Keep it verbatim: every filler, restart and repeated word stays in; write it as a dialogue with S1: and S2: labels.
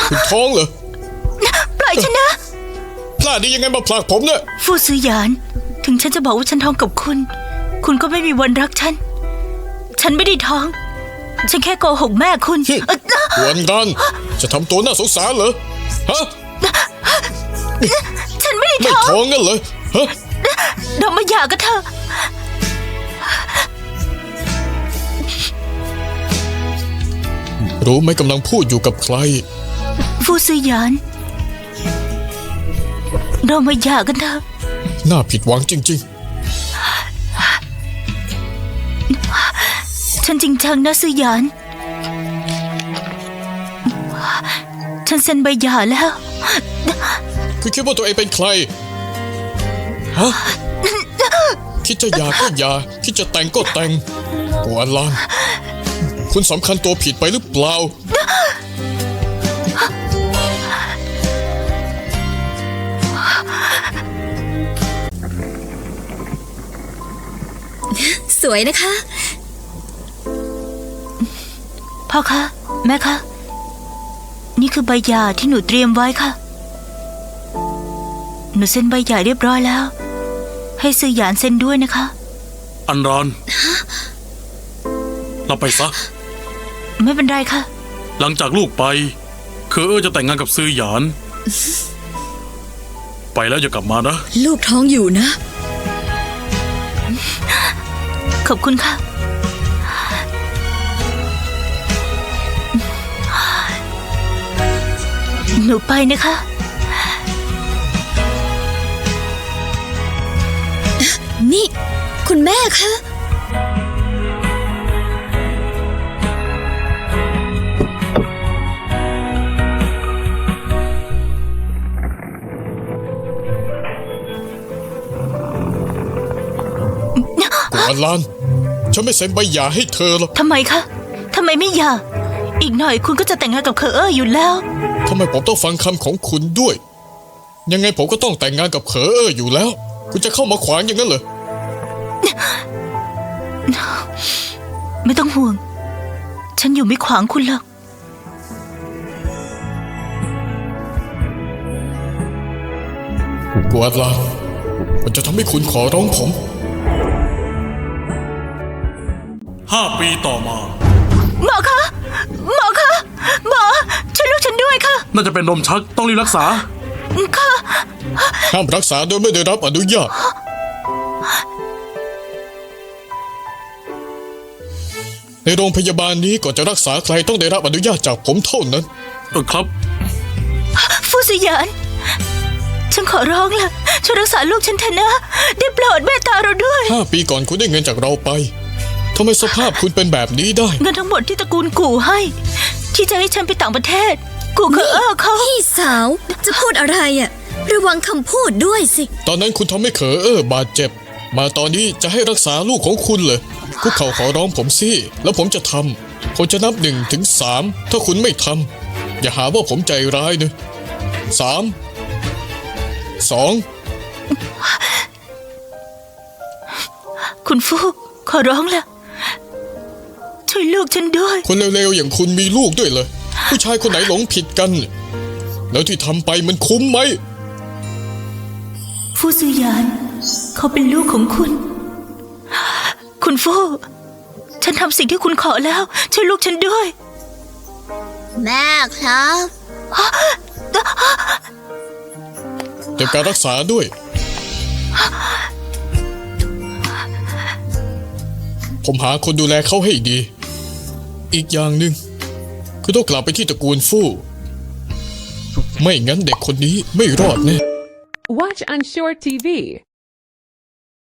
S1: คุณท้องเหรอ
S2: ปล่อยฉันนะ
S1: พลาดได้ยังไงมาผลักผมเนี่ย
S2: ฟูซือหยานถึงฉันจะบอกว่าฉันท้องกับคุณ คุณก็ไม่มีวันรักฉันฉันไม่ได้ท้องฉันแค่โกหกแม่คุณ
S1: วันกันจะทำตัวน่าสงสารเหรอฮะ
S2: ฉันไม่ได้
S1: ท้องไม่ท้องงั้นเลยฮะ
S2: เรามาหย่ากันเถอะ
S1: รู้ไหมกำลังพูดอยู่กับใคร
S2: ฟูซือหยานเรามาหย่ากันเถอะ
S1: น่าผิดหวังจริง
S2: ๆฉันจริงจังนะซือหยานฉันเซ็นใบหย่าแล้ว
S1: คือคิดว่าตัวเองเป็นใครฮะคิดจะหย่าก็หย่าคิดจะแต่งก็แต่งกัวลางคุณสำคัญตัวผิดไปหรือเปล่า
S3: สวยนะคะ
S2: พ่อคะแม่คะนี่คือใบหย่าที่หนูเตรียมไว้ค่ะหนูเซ็นใบหย่าเรียบร้อยแล้วให้ซือหยานเซ็นด้วยนะคะ
S4: อันรอนเราไปซะ
S2: ไม่เป็นไรค่ะ
S4: หลังจากลูกไปคือเออจะแต่งงานกับซือหยานไปแล้วอย่ากลับมานะ
S3: ลูกท้องอยู่นะ
S2: ขอบคุณค่ะหนูไปนะคะ
S3: นี่คุณแม่คะ
S1: กัวลานฉันไม่เซ็นใบหย่าให้เธอหรอก
S2: ทำไมคะทำไมไม่หย่าอีกหน่อยคุณก็จะแต่งงานกับเคอเออร์อยู่แล้ว
S1: ทำไมผมต้องฟังคำของคุณด้วยยังไงผมก็ต้องแต่งงานกับเคอเออร์อยู่แล้วคุณจะเข้ามาขวางอย่างนั้นเหรอ
S2: ไม่ต้องห่วงฉันอยู่ไม่ขวางคุณหรอก
S1: กัวลานมันจะทำให้คุณขอร้องผม
S4: ห้าปีต่อมา
S2: หมอคะหมอคะหมอช่วยลูกฉันด้วยค่ะ
S4: น่าจะเป็นลมชักต้องรีบรักษา
S2: ค่ะ
S1: ห้ามรักษาโดยไม่ได้รับอนุญาตในโรงพยาบาลนี้ก่อนจะรักษาใครต้องได้รับอนุญาตจากผมเท่านั้น
S4: เออครับ
S2: ฟูซือหยานฉันขอร้องล่ะช่วยรักษาลูกฉันเถอะนะได้โปรดเมตตาเราด้วย
S1: ห้าปีก่อนคุณได้เงินจากเราไปทำไมสภาพคุณเป็นแบบนี้ได้
S2: เงินทั้งหมดที่ตระกูลกู่ให้ที่จะให้ฉันไปต่างประเทศกูเคอเออร์เขา
S3: พี่สาวจะพูดอะไรอ่ะระวังคำพูดด้วยสิ
S1: ตอนนั้นคุณทำให้เคอเออร์บาดเจ็บมาตอนนี้จะให้รักษาลูกของคุณเลยคุกเข่าขอร้องผมสิแล้วผมจะทำผมจะนับหนึ่งถึงสามถ้าคุณไม่ทำอย่าหาว่าผมใจร้ายนะสามสอง
S2: คุณฟูขอร้องละช่วยลูกฉันด้วย
S1: คนเร็วๆอย่างคุณมีลูกด้วยเลยผู้ชายคนไหนหลงผิดกันแล้วที่ทำไปมันคุ้มไหม
S2: ฟูซือหยานเขาเป็นลูกของคุณคุณฟูฉันทำสิ่งที่คุณขอแล้วช่วยลูกฉันด้วย
S3: แม่ครับ
S1: เก็บการรักษาด้วยผมหาคนดูแลเขาให้ดีอีกอย่างหนึ่งคือต้องกลับไปที่ตระกูลฟู่ไม่งั้นเด็กคนนี้ไม่รอดแน่
S5: Watch on Short ที วี